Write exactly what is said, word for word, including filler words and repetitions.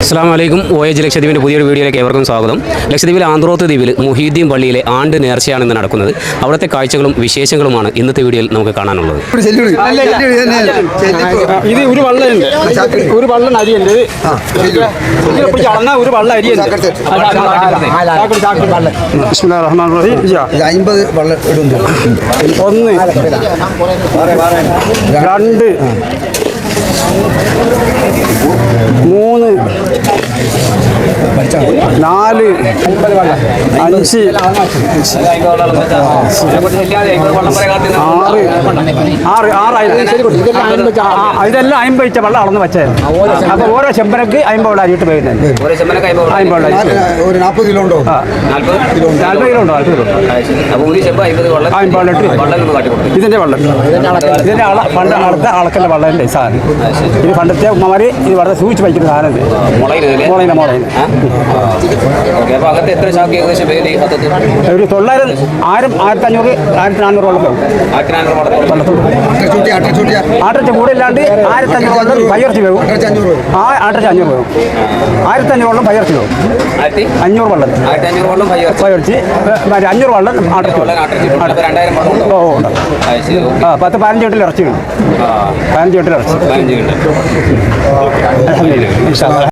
അസ്സലാമു അലൈക്കും. O H ലക്ഷദ്വീപിൻ്റെ പുതിയൊരു വീഡിയോയിലേക്ക് ഏവർക്കും സ്വാഗതം. ലക്ഷദ്വീപിലെ ആന്ത്രോത്ത് ദ്വീപിൽ മുഹീദ്ദീൻ പള്ളിയിലെ ആണ്ട് നേർച്ചയാണ് ഇന്ന് നടക്കുന്നത്. അവിടുത്തെ കാഴ്ചകളും വിശേഷങ്ങളുമാണ് ഇന്നത്തെ വീഡിയോയിൽ നമുക്ക് കാണാനുള്ളത്. ഇത് ഒരു വള്ളമുണ്ട്, ഒരു വള്ളം അരിയുണ്ട്, ഒരു വള്ളം അരിയുണ്ട്. അമ്പത് വള്ളം ഇടുന്നു. ഒന്ന്, രണ്ട്, മൂന്ന്, നാല്, അഞ്ച്, ആറ് ആറ് ആറ് ഇതെല്ലാം അമ്പത് വെച്ച വെള്ളം അളന്ന് വെച്ചായിരുന്നു. അപ്പൊ ഓരോ ചെമ്പനക്ക് അമ്പത് വെള്ളം അരിയിട്ട് പോയിരുന്നത്. അമ്പത് വെള്ളം ഒരു നാൽപ്പത് കിലോ ഉണ്ടോ? നാൽപ്പത് കിലോ ഉണ്ടോ? നാൽപ്പത് കിലോ അമ്പത് വെള്ളം. ഇതിന്റെ വെള്ളം ഇതിന്റെ അള പണ്ട് അളത്ത അളക്കല്ല വെള്ളത്തിന്റെ സാധനം. ഇത് പണ്ടത്തെ ഉമ്മമാര് ഇത് വളരെ സൂക്ഷിച്ച് വയ്ക്കുന്ന സാധനം. മുളയില മുളയില ഒരു തൊള്ളായിരം ആയിരം ആയിരത്തി അഞ്ഞൂറ് ആയിരത്തി നാനൂറോളം പോകും. ആട്ടച്ച കൂടെ ഇല്ലാണ്ട് ആയിരത്തി അഞ്ഞൂറ് വെള്ളം പയ്യർച്ച് പോകും. ആ ആട്ടച്ച അഞ്ഞൂറ് പോകും. ആയിരത്തി അഞ്ഞൂറ് വെള്ളം പയ്യർച്ച് പോകും. അഞ്ഞൂറ് വെള്ളം പയ്യർച്ച് അഞ്ഞൂറ് വെള്ളം ആട്ടച്ച് ഓ ആ പത്ത് പതിനഞ്ച് വീട്ടിൽ ഇറച്ചി ഉണ്ട്. പതിനഞ്ച് വീട്ടിൽ ഇറച്ചി.